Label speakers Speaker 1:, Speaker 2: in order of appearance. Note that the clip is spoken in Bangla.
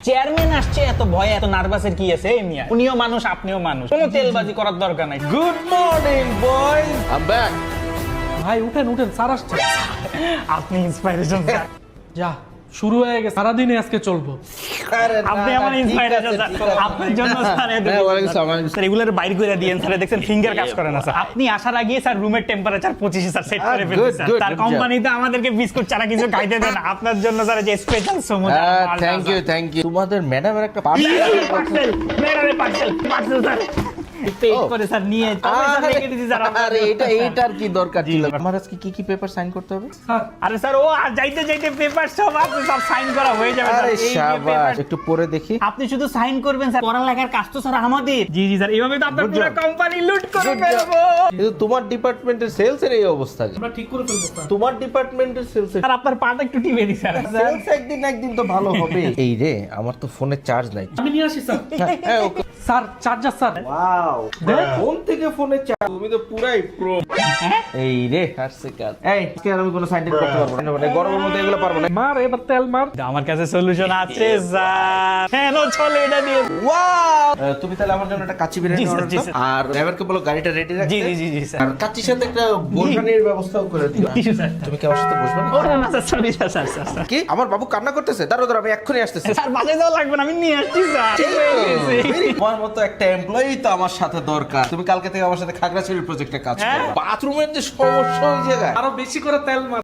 Speaker 1: চেয়ারম্যান আসছে, এত ভয় এত নার্ভাসের কি আছে? এই মিয়া, উনিও মানুষ আপনিও মানুষ, কোনো তেলবাজি করার দরকার নাই।
Speaker 2: Good morning boy, I am back.
Speaker 3: ভাই উঠেন উঠেন, স্যার আসছে।
Speaker 1: আপনি ইন্সপাইরেশন স্যার।
Speaker 3: যা শুরু হয়ে গেছে, সারাদিনে আজকে চলবো।
Speaker 1: আপনি আমার ইন্সপাইরেশন স্যার, আপনার জন্য স্যার। স্যার এগুলোর বাইরে করে দিয়েন স্যার, দেখছেন ফিঙ্গার কাজ করে না স্যার। আপনি আসার আগে স্যার রুমের টেম্পারেচার 25 স্যার সেট করে ফেলছেন স্যার।
Speaker 2: good,
Speaker 1: তার
Speaker 2: good
Speaker 1: কোম্পানিতে আমাদেরকে বিস্কুট ছাড়া কিছু খাইতে দেন, আপনার জন্য স্যার যে স্পেশাল সমুদ্র।
Speaker 2: Thank you. তোমাদের ম্যাডামের একটা
Speaker 1: পার্সেল মেরারে পার্সেল স্যার পেড করে স্যার নিয়ে তবে স্যার রেখে দিছি স্যার।
Speaker 2: আরে এইটার কি দরকার ছিল? আমার আজকে কি পেপার সাইন করতে হবে?
Speaker 1: আরে স্যার ও আর যাইতে যাইতে পেপার সব আছে সব সাইন করা হয়ে যাবে স্যার।
Speaker 2: আরে
Speaker 1: এই যে
Speaker 2: শাবাশ,
Speaker 1: paper-
Speaker 2: একটু পড়ে দেখি।
Speaker 1: আপনি শুধু সাইন করবেন স্যার, পড়ালেখার কাজ তো স্যার আমাদের। জি জি স্যার, এইভাবে তো আপনার
Speaker 2: Good
Speaker 1: পুরো
Speaker 2: job.
Speaker 1: কোম্পানি লুট করে
Speaker 2: Good job.
Speaker 1: ফেলবো।
Speaker 2: কিন্তু তোমার ডিপার্টমেন্টের সেলস এর এই অবস্থা কেন?
Speaker 3: আমরা ঠিক করে ফেলবো স্যার।
Speaker 2: তোমার ডিপার্টমেন্টের সেলস এর
Speaker 1: স্যার আপনার পাটা একটু টিপে দিই স্যার।
Speaker 2: সেলস একদিন তো ভালো হবে। এই রে, আমার তো ফোনে চার্জ নাই।
Speaker 3: আমি নিয়ে আসি স্যার।
Speaker 2: হ্যাঁ, okay.
Speaker 3: Sir charger sir.
Speaker 2: Wow, phone থেকে ফোনে চার্জ, তুমি তো পুরাই প্রো। এই রে, আসছে কাজ। এই আজকে আর আমি কোনো সাইন করতে পারবো না, মানে গরমের মধ্যে এগুলো পারবো না।
Speaker 3: মার এবার তেল মার।
Speaker 1: আমার কাছে সলিউশন আছে স্যার। হ্যাঁ নো চলে এটা দিয়ে।
Speaker 2: ওয়াও, তুমি তাহলে আমার জন্য একটা কাচ্চি বিরিয়ানি
Speaker 1: জি, স্যার,
Speaker 2: অর্ডার
Speaker 1: জি,
Speaker 2: দাও,
Speaker 1: স্যার।
Speaker 2: আর ড্রাইভারকে বলো গাড়িটা রেডি রাখতে।
Speaker 1: জি জি জি জি স্যার।
Speaker 2: আর কাচ্চির সাথে একটা বোরখানির ব্যবস্থাও করে দিও।
Speaker 1: জি, স্যার।
Speaker 2: তুমি কি আমার সাথে বসবে না?
Speaker 1: ওরে না sir, sorry sir sir sir sir.
Speaker 2: কি আমার বাবু কান্না করতেছে? দাঁড়াও আমি এক্ষুনি আসতেছি।
Speaker 1: স্যার বাজে যাওয়া লাগবে না, আমি নিয়ে আসছি স্যার। ঠিক হয়ে গেছে।
Speaker 2: তোমার মতো একটা এমপ্লয়ি তো আমার সাথে দরকার। তুমি কালকে থেকে আমার সাথে খাগড়াছড়ির প্রজেক্টে কাজ করো। বাথরুমের যে সমস্যা ওই জায়গায়
Speaker 3: আরো বেশি করে তেল মার।